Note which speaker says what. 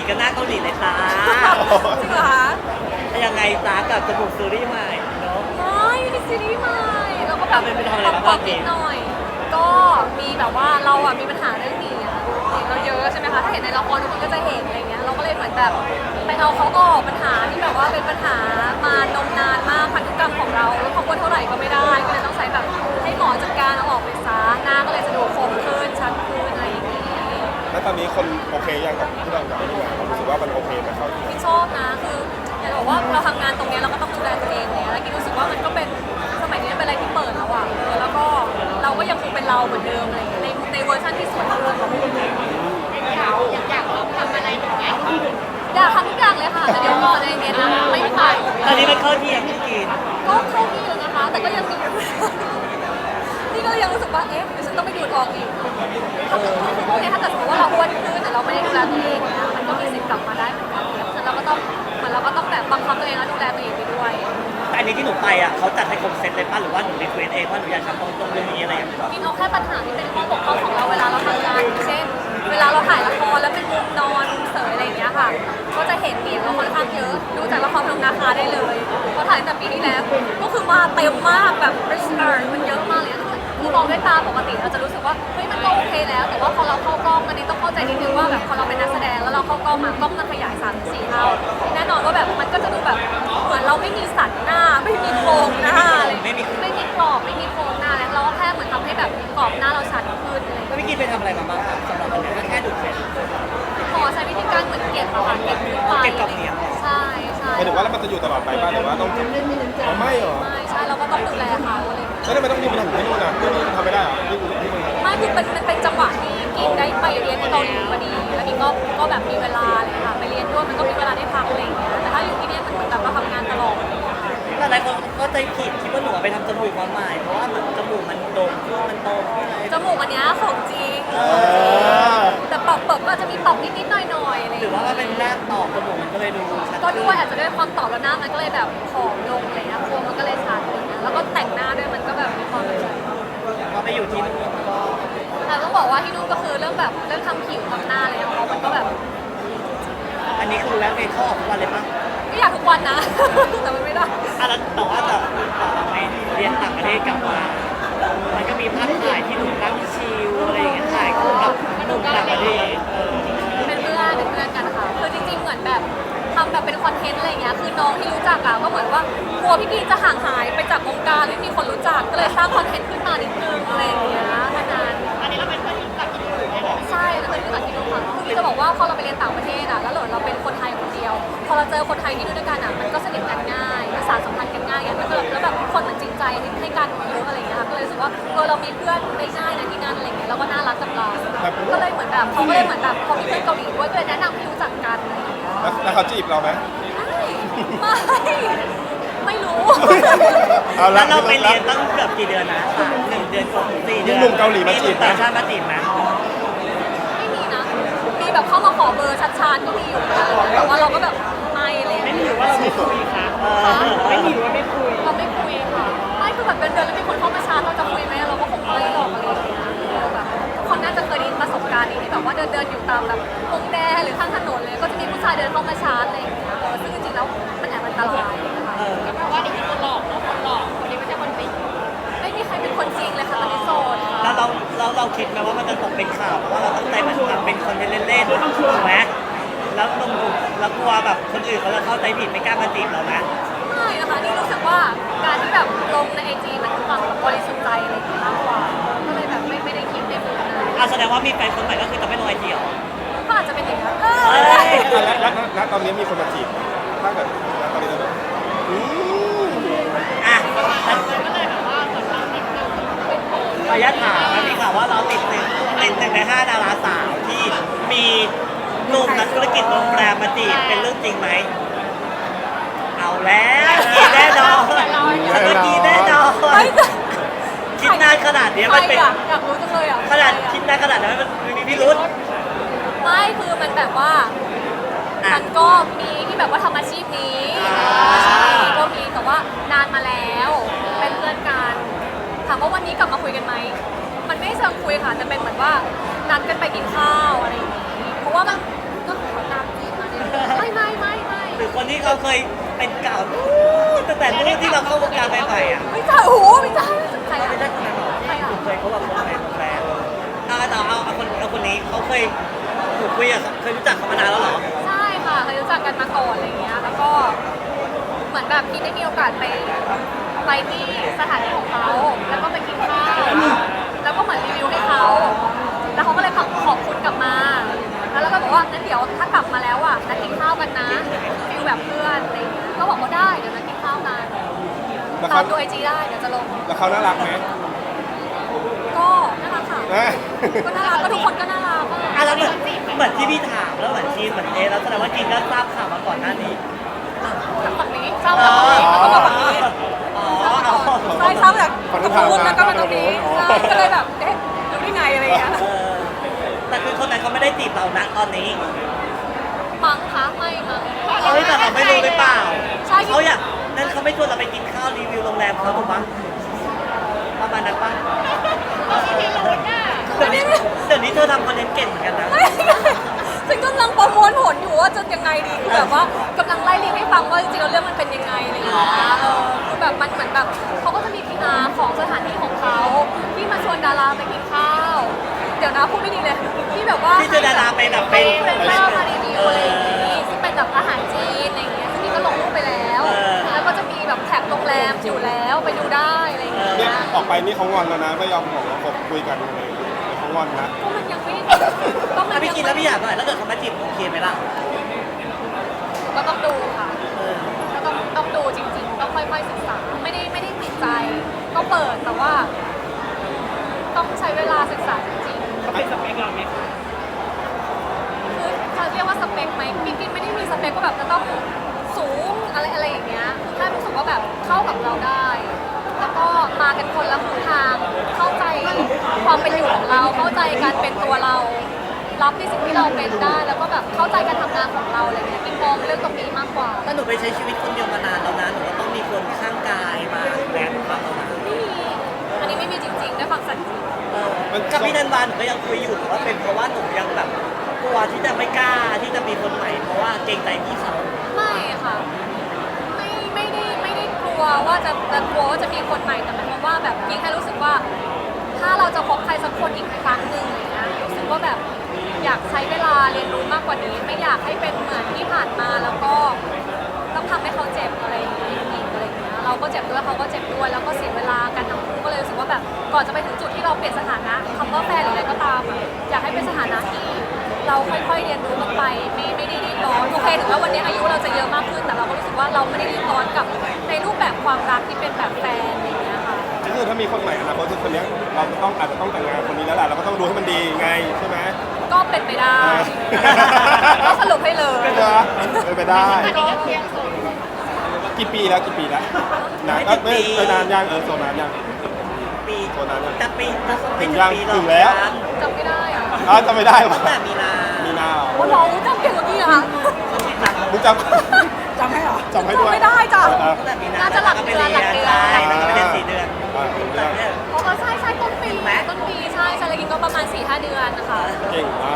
Speaker 1: กันหน้าเกาหลีเลยจ้า
Speaker 2: จริงเหรอคะ
Speaker 1: ยังไงจ้ากับจมูกซีรีส์ใหม่เนาะ
Speaker 2: ไม่มีซีรีส์ใหม่เราก็แบบ
Speaker 1: ไปทำอะไรบ้าง
Speaker 2: ปรับนิดหน่อย ก็มีแบบว่าเราอ่ะมีปัญหาเรื่องนี้อะเราเยอะใช่ไหมคะถ้าเห็นในละครทุกคนก็จะเห็นอะไรเงี้ยเราก็เลยเหมือนแบบไปเอาเขาออกปัญหาที่แบบว่าเป็นปัญหามานมนานมากพันธุกรรมของเราแล้วพอกดเท่าไหร่ก็ไม่ได้ก็เลยต้องใช้แบบให้หมอจัดการเอาออกไปซะหน้าก็เลยจะดูคมขึ้นชัดขึ้นอะไรอย่างงี้
Speaker 3: แล้วตอนนี้คนโอเคยังกับที่เรากับที่มาเรารู้สึกว่ามันโอเคไหมเขา
Speaker 2: ที่ชอบนะคืออยากบอกว่าเราทำงานตรงเนี้ยเราก็ต้องดูแลตัวเองเนี่ยแล้วกินรู้สึกว่ามันก็เป็นสมัยนี้เป็นอะไรที่เปิดแล้วอ่ะแล้วก็เราก็ยังคงเป็นเราเหมือนเดิมอะไรอย่างเงี้ยในเวอร์ชันที่สวยขึ้นอยากลองทำอะไรอย่างเงี้ยอยากทำทุกอย่างเลยค่ะแต่เดี๋ยวก่อนในเนี้ยนะไม่ไป
Speaker 1: ตอนนี้มันเข้าที่ยังไม่กิน
Speaker 2: ก็เข้าที่แล้วนะคะ แต่ก็ยังมีนี่ก็ยังรู้สึกว่าเอ๊ะเดี๋ยวฉันต้องไปดูดออกอีกโอเคถ้าเกิดสมมติว่าเราอ้วนขึ้นแต่เราไม่ได้ดูแลตัวเองเนี่ยมันก็มีสิทธิ์กลับมาได้เหมือนกันเพราะฉะนั้นเราก็ต้องเหมือนเราก็ต้องแบบบังคับตัวเองแล้วดูแลตัวเองไปด้วย
Speaker 1: แต่อันนี้ที่หนูไปอ่ะเขาจัดให้ครบเซตเลยป่ะหรือว่าหนูรีเควสเองว่าหนูอยากทำตรงเรื่องนี้อะไรอย่างเงี้ย
Speaker 2: มีเอาแค่ปัญหาที่เป็นข้อบกพร่องของเราเวลาเราทำงานอย่างเช่น เวลาเราถ่ายละครแล้วเป็นมุมนอนเสยอะไรอย่างเงี้ยค่ะ ก็จะเห็นเหนียงเราค่อนข้างเยอะ ดูจากละครพนมนาคาได้เลยพอถ่ายตั้งแต่ปีที่แล้วก็คือมาเต็มมากแบบมันเยอะมากเลยคือมองด้วยตาปกติเราจะรู้สึกว่าเฮ้ยมันก็โอเคแล้ว แต่ว่าพอเราเข้ากล้องอันนี้ต้องเข้าใจนิดนึงว่าแบบพอเราเป็นนักแสดงแล้วเราเข้ากล้องมากล้องมันขยาย3-4 เท่าแน่นอนว่าแบบมันก็จะดูแบบเหมือนเราไม่มีสันหน้าไม่มีโครงหน้าอะไรไม่มีกรอบไม่มีโครงหน้าแล้วเราก็แค่เหมือนทำให้แบบกรอบหน้าเราชัดขึ้นอะไรอย่างเงี้ย
Speaker 1: แล้วพี่กินไปทำอะไรมาบ้างครับสำหรับวันนี้ก็แค่ดูดเสร็จ
Speaker 2: หมอใช้วิธีการเหมือนเก็บอะค่ะเก็บนิ้วไป
Speaker 1: เก็บกับเหนียง
Speaker 2: ใช่ใช่
Speaker 3: หมายถึงว่าแล้วมันจะอยู่ตลอดไปบ้างหรือว่าต้องอ๋อไม่หรอ
Speaker 2: ไม่ใช่เราก็ต้องดูแลเขาอะไรอย่างเงี้ย
Speaker 3: แล้วทำไมต้องยืมไปทำที่นู่นอ่ะที่นี่ทำไม่ได้เหรอที่มึง
Speaker 2: ไม่คือมันเป็นจังหวะที่กินได้ไปเรียนที่เกาหลีพอดีแล้วกินก็แบบมีเวลาเลยค่ะไปเรียนด้วยมันก็มีเวลาได้พักอะไรอย่างเงี้ยแต่ถ้าอยู่ที่เนี่ยมันเหมือนแบบเราทำงานตลอดอะไรอย่างเงี้ยค่ะ
Speaker 1: แต่หลายคนก็ใจผิดคิดว่าหนูไปทำจมูกมาใหม่เพราะว่าจมูกมันโด่งขึ้นมันโตขึ้นอะไร
Speaker 2: จมูกอันเนี้ยของจริงแต่ปรับก็อาจจะมีปรับนิดๆหน่อยๆอะไรอ
Speaker 1: หรื
Speaker 2: ย่า
Speaker 1: อง ว่า
Speaker 2: เงี้ย
Speaker 1: มันเป็นแรกต่อจมูกมันก็เลยดูชัด
Speaker 2: ก็
Speaker 1: ขึ้น
Speaker 2: ด้วยอาจจะด้วยความตอบแล้วหน้ามันก็เลยแบบผอมลงอะไรเงี้ยโครงมันก็เลยชัดอะไรเงี้ยแล้วก็แต่งหน้าด้วยมันก็แบบมีความแบบ
Speaker 1: พอไปอยู่ที่นู่นก็
Speaker 2: แต่ต้องบอกว่าที่นู่นก็คือเรื่องแบบเรื่องทำผิวทำหน้าอะไรของเขามันก็แบบ
Speaker 1: อันนี้คือแวะไปเข้าออกทุกวันเลยปะ
Speaker 2: ไม่อยากทุกวันนะ แต่มันไม่ได้
Speaker 1: อ่ะแล้วแต่ว่าจะไปเรียนต่างประเทศกลับมา มันก็มีภาพถ่ายที่หนูนั่งชิลอะไรอย่างเงี้ยถ่ายคู่กับหนุ่มต่างประเทศ
Speaker 2: เป็นเพื่อนกันค่ะคือจริงๆเหมือนแบบทำแบบเป็นคอนเทนต์อะไรอย่างเงี้ยคือน้องที่รู้จักอะก็เหมือนว่ากลัวพี่ๆจะห่างหายไปจากวงการไม่มีคนรู้จักก็เลยสร้างคอนเทนต์ขึ้นมานิดนึงอะไรอย่างเงี้ยขนาดอันนี้เราเป็นเพื่อนที่รู้จักที่นู่นใช่เราเป็นเพื่อนที่นู่นค่ะคือจะบอกว่าพอเราไปเรียนต่างประเทศอะแล้วเราเป็นคนไทยคนเดียว พอเราเจอคนไทยที่นู่นด้วยกันอะมันก็สนิทกันง่ายภาษาสัมพันธ์กันง่ายมันก็แล้วแบบคนมันจริงใจให้กันเยอะอะไรอย่างเงี้ยค่ะก็เลยรู้สึกว่าเรามีเพื่อนได้ง่ายนะที่นั่นอะไรอย่างเงี้ยแล้วก็น่ารักกับเราก็เลยเหมือนแบบเขาก็เลยเหมือนแบบเขามีเพื่อนเกาหลีด้วยก็เลยแนะนำให้รู้จักกันอะไรอย่างเงี้ย
Speaker 3: แล้วเขาจีบเราไหม
Speaker 2: ไม่รู้
Speaker 3: เอา
Speaker 1: แล้
Speaker 3: ละ
Speaker 1: วเราไปเรียนตั้งเกือบกี่เดือนนะ1 เดือนกว่า4 เดือน
Speaker 3: มีหนุ่มเกาหลีมาจีบไหม
Speaker 1: ต่างชาติมาจีบไหม
Speaker 2: ไม่มีนะ มีแบบเข้ามาขอเบอร์ชัดๆก็มีอยู่นะแต่ว่าเราก็แบบไม่เลยไม่มีว่าเราไม่คุยค่ะไม่มีว่าไม่คุยเราไม่คุยค่ะไม่คือแบบเดินแล้วมีคนเข้ามาชาร์จเราจะคุยไหมเราก็คงไม่หรอกอะไรอย่างเงี้ยแบบทุกคนน่าจะเคยได้ยินประสบการณ์นี้ที่แบบว่าเดินอยู่ตามแบบวงแดงหรือข้างถนนเลยก็จะมีผู้ชายเดินเข้ามาชาร์จอะไรอย่างเงี้ยซึ่งจริงๆแล้วมันแอบอันตรายนะคะก็เพราะว่านี่คือคนหลอกแล้วคนหลอกคนนี้ไม่ใช่คนจริงไม่มีใครเป็นคนจริงเลยค่ะตอนนี้โสดค่ะ
Speaker 1: แล้วเราคิดไหมว่ามันจะตกเป็นข่าวเพราะว่าเราตั้งใจมันทำเป็นคอนเทนต์เล่นๆถูกไหมแล้วตรงแล้วกลัวแบบคนอื่นเขาจะเข้าใจผิดไม่กล้ามาจีบเราไหม
Speaker 2: ไม่นะคะนี่รู้สึกว่าการที่แบบลงในไอจีมันคือความแบบบริสุทธิ์ใจอะไรอย่างเงี้ยมากกว่าก็เลยแบบไม่ได้คิดในมุมนั้น
Speaker 1: แสดงว่ามีแฟนคนใหม่ก็คือจะไม่ลงไอจีหรอ
Speaker 2: ก็อาจจะเป็นอย่างนั้น
Speaker 3: แล้วตอนนี้มีคนมาจีบถ้าเกิดตอนนี้จะ
Speaker 1: อ่ะขออนุญาตถามมันมีข่าวว่าเราติดหนึ่งใน5 ดาราสาวที่มีหนุ่มนักธุรกิจโรงแรมมาจีบเป็นเรื่องจริงไหมเอาแล้วกินแน่นอนฉันก็กินแน่นอนคิดนานขนาดนี้มันเป็น
Speaker 2: อยากรู้จังเลยอ่ะ
Speaker 1: ขนาดคิดนานขนาดนั้นมันมีพิรุษ
Speaker 2: ไม่คือมันแบบว่ามันก็มีที่แบบว่าทำอาชีพนี้ก็มีแต่ว่านานมาแล้วเป็นเพื่อนกันถามว่าวันนี้กลับมาคุยกันไหมมันไม่เชิงคุยค่ะแต่เป็นเหมือนว่านัดกันไปกินข้าวอะไรอย่างนี้เพราะว่ามันก็ขอตามจีบ
Speaker 1: คนที่เขาเคยเป็นเก่าตั้งแต่รุ่นที่เราเข้าวงการใหม่ๆอ่ะ
Speaker 2: ไม่ใช่โอ้โหไม่ใช่ใครอะ
Speaker 1: ไม่ใช่คนนั้นหรอกที่ผมเคยเขาแบบว่าเป็นแฟนเอาคนนี้เขาเคยถูกคุยกับเคยรู้จักเขามานานแล้วเหรอ
Speaker 2: ใช่ค่ะเคยรู้จักกันมาก่อนอะไรเงี้ยแล้วก็เหมือนแบบพี่ได้มีโอกาสไปที่สถานที่ของเขาแล้วก็ไปกินข้าวแล้วก็เหมือนรีวิวให้เขาแล้วเขาก็เลยขอบคุณกลับมา แล้วเราก็บอกว่างั้นเดี๋ยวถ้ากลับมาแล้วอ่ะนัดกินข้าวกันนะฟิลแบบเพื่อนอะไรเงี้ยก็บอกว่าได้เดี๋ยวนัดกินข้าวกัน
Speaker 3: แล้ว
Speaker 2: ตา
Speaker 3: เขา
Speaker 2: มดูไอจีได้เดี๋ยวจะลง
Speaker 3: แล้วเขาน่ารักไหม
Speaker 2: ก็น่ารักค่ะ
Speaker 3: เอ้ย
Speaker 2: ก็น่ารักก็ทุกคนก็น่ารัก
Speaker 1: อ่ะแล้วเหมือนที่พี่ถามแล้วเหมือนทีมเหมือนแล้วแสดงว่าทีมก็ทราบข่าวมาก่อนหน้านี้
Speaker 2: จากฝั่งนี้เศร้าจากฝั่งนี้แล้วก็มาฝั่งนี้
Speaker 1: อ๋อ
Speaker 2: ใช่เศร้าจากตรงนู้นแล้วก็มาตรงนี้ใช่ก็เลยแบบเอ๊ะรู้ได้ไงอะไรเงี้ย
Speaker 1: แต่คือคนนั้นเขาไม่ได้จีบเรานะตอนนี้
Speaker 2: มั้งคะไม่มั้ง
Speaker 1: เฮ้ยแต่เราไม่รู้หรือเปล่า
Speaker 2: ใช่
Speaker 1: เขาอยากนั่นเขาไม่ชวนเราไปกินข้าวรีวิวโรงแรมเขาถูกปะประมาณนั้นปะเดี๋ยวนี้เธอทำคอนเทนต์เก่งเหมือนกันนะ
Speaker 2: ฉันกำลังประมวลผลอยู่ว่าจะยังไงดีคือแบบว่ากำลังไล่เรียงให้ฟังว่าจริงๆแล้วเรื่องมันเป็นยังไงอะไรอย่างเงี้ยคือแบบมันเหมือนแบบเขาก็จะมีพีอาของสถานที่ของเขาที่มาชวนดาราไปกินข้าวเดี๋ยวนะพูดไม่ดีเลยที่แบบว่า
Speaker 1: ที่เจอดาราไปแบบ
Speaker 2: ไป
Speaker 1: เป็น
Speaker 2: ข้าวมารีวิวอะไรอย่างงี้ซึ่งเป็นแบบอาหารจีนอะไรอย่างเงี้ยซึ่งนี่ก็ลงรูปไปแล้ว แล้วก็จะมีแบบแท็กโรงแรมอยู่แล้วไปดูได้อะไรอย่างเงี้ย
Speaker 3: เนี่ยออกไปนี่เขางอนแล้วนะไม่ยอมบอกว่าผมคุยกันเขางอนนะ
Speaker 2: ก็มันยังไม่ก็มัน
Speaker 1: ถ้าพี่
Speaker 2: ยัง
Speaker 1: กินแล้วพี่อยากหน่อยถ้าเกิดเขามาจีบโอเคไหมล่ะ
Speaker 2: ก็ต้องดูค่ะก็ต้องดูจริงๆต้องค่อยๆศึกษาไม่ได้ติดใจก็เปิดแต่ว่า ต้องใช้เวลาศึกษาจริงๆ
Speaker 1: เขาเป็นสเปคเราไหม
Speaker 2: คือเขาเรียกว่าสเปคไหมพี่กินไม่ได้มีสเปคว่าแบบจะต้องสูงอะไรอย่างเงี้ยคือแค่รู้สึกว่าแบบเข้ากับเราได้ แล้วก็มากันคนละทางเข้าใจความเป็นอยู่ของเรา เข้าใจการเป็นตัวเรา รับในสิ่งที่เราเป็นได้ แล้วก็แบบเข้าใจการทำงานของเราอะไรเงี้ยพี่มองเรื่องตรงนี้มากกว่า
Speaker 1: ถ้าหนูไปใช้ชีวิตคนเดียวมานานแล้วนะหนูก็ต้องมีคนข้างกายมาแบกบ้างแล้วนะ
Speaker 2: ไม่มีอันนี้ไม่มีจริงๆได้ฟังสักที
Speaker 1: กับพี่นันวานหนูก็ยังคุยอยู่แต่ว่าเป็นเพราะว่าหนูยังแบบกลัวที่จะไม่กล้าที่จะมีคนใหม่เพราะว่าเกรงใจพี่เขา
Speaker 2: ไม่ค่ะไม่ได้กลัวว่าจะกลัวว่าจะมีคนใหม่แต่หมายความว่าแบบยิ่งแค่รู้สึกว่า ถ้าเราจะพบใครสักคนอีกครั้งหนึ่งอย่างเงี้ยรู้สึกว่าแบบอยากใช้เวลาเรียนรู้มากกว่านี้ ไม่อยากให้เป็นเหมือนที่ผ่านมาแล้วก็ต้องทำให้เขาเจ็บอะไรอย่างเงี้ยอีกอะไรอย่างเงี้ยเราก็เจ็บด้วยเขาก็เจ็บด้วยแล้วก็เสียเวลากันทั้งคู่ก็เลยรู้สึกว่าแบบก่อนจะไปถึงจุดที่เราเปลี่ยนสถานะคำว่าแฟนหรืออะไรก็ตามอะอยากให้เป็นสถานะที่เราค่อยๆเรียนรู้กันไปไม่ได้รีบร้อนโอเคถึงว่าวันนี้อายุเราจะเยอะมากขึ้นแต่เราก็รู้สึกว่าเราไม่ได้รีบร้อนกับในรูปแบบความรักที่เป็นแบบแฟนอะไรอย่างเงี้ยค่ะ
Speaker 3: ก็คือถ้ามีคนใหม่อนาคตคือคนเนี้ยเราจะต้องอาจจะต้องแต่งงานคนนี้แล้วแหละเราก็ต้องดูให้มันดีไงใช่ไหม
Speaker 2: ก็เป็นไปได้ ก็สรุปให้เลย
Speaker 3: เป็นไปได้กี่ปีแล้วนะไม่นานยังโซนานยัง
Speaker 1: ปี
Speaker 3: โซนานยัง
Speaker 1: จะปีจะ
Speaker 3: ถึงยัง
Speaker 1: ปีหรอก
Speaker 3: ถึงแล้ว
Speaker 2: จำไม่ได้อะ
Speaker 3: จะไม่ได้หรอ
Speaker 1: ตั้งแต่มีนา
Speaker 3: มีนาเหรอ
Speaker 2: โอ้น้องจำเก่งกว่านี้เหรอคะ
Speaker 3: มึงจำ
Speaker 2: จำให้เหรอ
Speaker 3: จำให้ด้วย
Speaker 2: จำไม่ได้จ้ะ
Speaker 1: ตั้งแต่มีนา
Speaker 2: น่าจะหลักเดือนหลักเดือน
Speaker 1: ใช่แล้วก็ไปเรียน4 เดือน
Speaker 3: ถึง
Speaker 1: แต่
Speaker 3: แล้ว
Speaker 1: เนี่ย
Speaker 2: อ๋อใช่ต้นปีใช่ใช่แล้วกินก็ประมาณ 4-5 เดือนนะคะ
Speaker 3: เก่งมาก